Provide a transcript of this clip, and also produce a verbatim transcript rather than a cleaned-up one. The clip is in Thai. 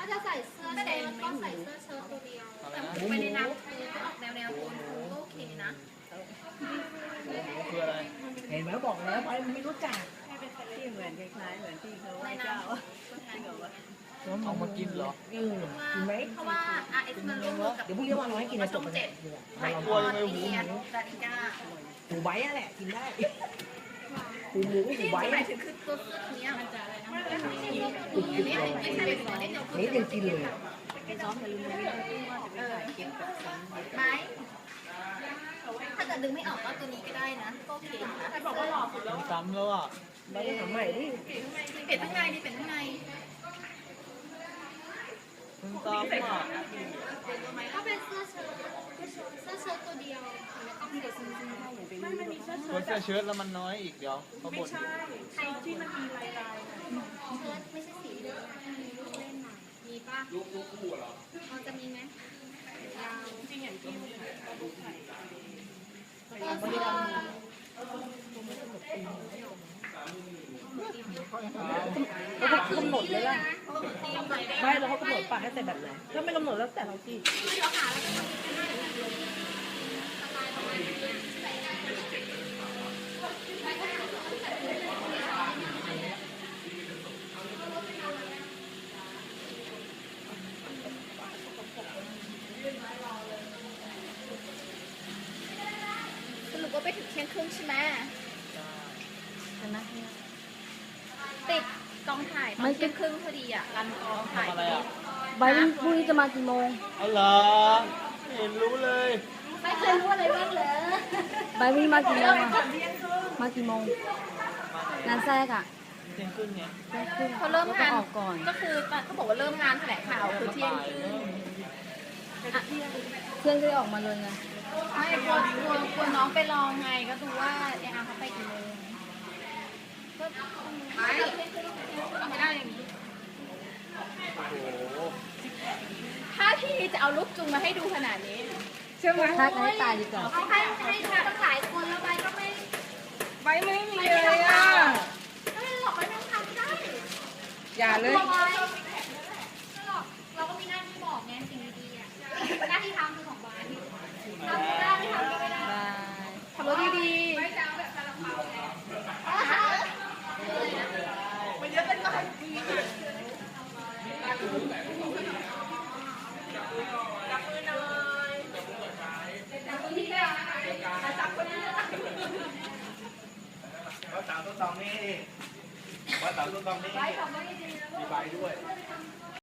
าจะใส่เสื้อเชิ้ตก็ใส่เสื้อเชิ้ตตัวเดียวแต่ไปในน้ำคือออกแนวแนวโทนคูก็โอเคนะคืออะไรเห็นไหมบอกแล้วไปไม่รู้จักที่เหมือนคล้ายๆเหมือนที่เขาไหว้เจ้าเอามากินเหรอเออกินไหมเพราะว่า อาร์ เอส มันร่วมมือกับเดี๋ยวพรุ่งนี้วันน้อยกินนะจบช่องมันเจ็ดไข่ไข่ททออดดเลียนดาริก้าหมูไว้อะแหละกินได้หมูหมูหมูที่ไว้หมายถึงคือตัวเสื้อตัวนี้มันจะอะไรนะไม่ใช่ไม่ใช่เป็นตัวเล็กเดียวนี่ยังกินเลยซ้อมกับลุงนี่เออไม้ถ้าเกิดดึงไม่ออกก็ตัวนี้ก็ได้นะก็โอเคนะใครบอกว่าหลอกซ้ำแล้วอ่ะเราไปทำใหม่ดิเปลี่ยนข้างในดิเปลี่ยนข้างในมันซ้ำอ่ะก็เป็นเสื้อเชิ้ตเสื้อเชิ้ตตัวเดียวแล้วก็มีเด็กซื้อซื้อได้อย่างเป็นไม่มันมีเสื้อตัวเสื้อเชิ้ตแล้วมันน้อยอีกเดี๋ยวเขาบ่นใครที่มันมีลายลายเชิ้ตไม่ใช่สีเดียวมีลูกเล่นหน่อยมีป่ะลูกลูกคู่เหรอมันจะมีไหมยาวจริงอย่างที่ลูกไข่ก็เสื้อเขากำหนดเลยล่ะไม่เราเขากำหนดปากให้ใส่แบบไหนถ้าไม่กำหนดแล้วแต่เราที่สรุปว่าไปถึงเที่ยงครึ่งใช่ไหมติดกองถ่ายตอนเที่ยงครึ่งพอดีอ่ะรันกองถ่ายทำอะไรอ่ะใบพรุ่งนี้จะมากี่โมงเอาเหรอไม่เห็นรู้เลยไม่เคยรู้อะไรบ้างเลยใบพรุ่งนี้มากี่โมงอะมากี่โมง งานแทรกอ่ะเที่ยงครึ่งไงแทรกครึ่งเขาเริ่มแล้วงานออกก่อนก็คือเขาบอกว่าเริ่มงานแถลงข่าวคือเที่ยงครึ่งเพื่อนก็ได้ออกมาเลยไงไม่กลัวกลัวกลัวน้องไปรอไงก็ดูว่าเออาร์เขาไปกี่โมงก็ไม่ได้อย่างนี้โอ้โหถ้าพี่จะเอาลูกจุงมาให้ดูขนาดนี้ใช่ไหมทักให้ตายดีกว่าเอาให้ให้ดูตั้งหลายคนแล้วใบก็ไม่ใบไม่มีเลยอ่ะไม่หรอกใบไม่ต้องทำได้อย่าเลยตัวใบไม่หรอกเราก็มีหน้าที่บอกไงสิ่งดีๆอ่ะหน้าที่ทำคือของใบทำไม่ได้ไม่ทำก็ไม่ได้บายทำรถดีๆไม่จะเอาแบบซาลาเปาไงมันเยอะเป็นไรจับมือหน่อยจับมือที่เดียวนะคะจับคนนี้ว่าสาวต้นตองนี่ว่าสาวต้นตองนี่ไว้ทำไว้ดีๆนะมีใบด้วย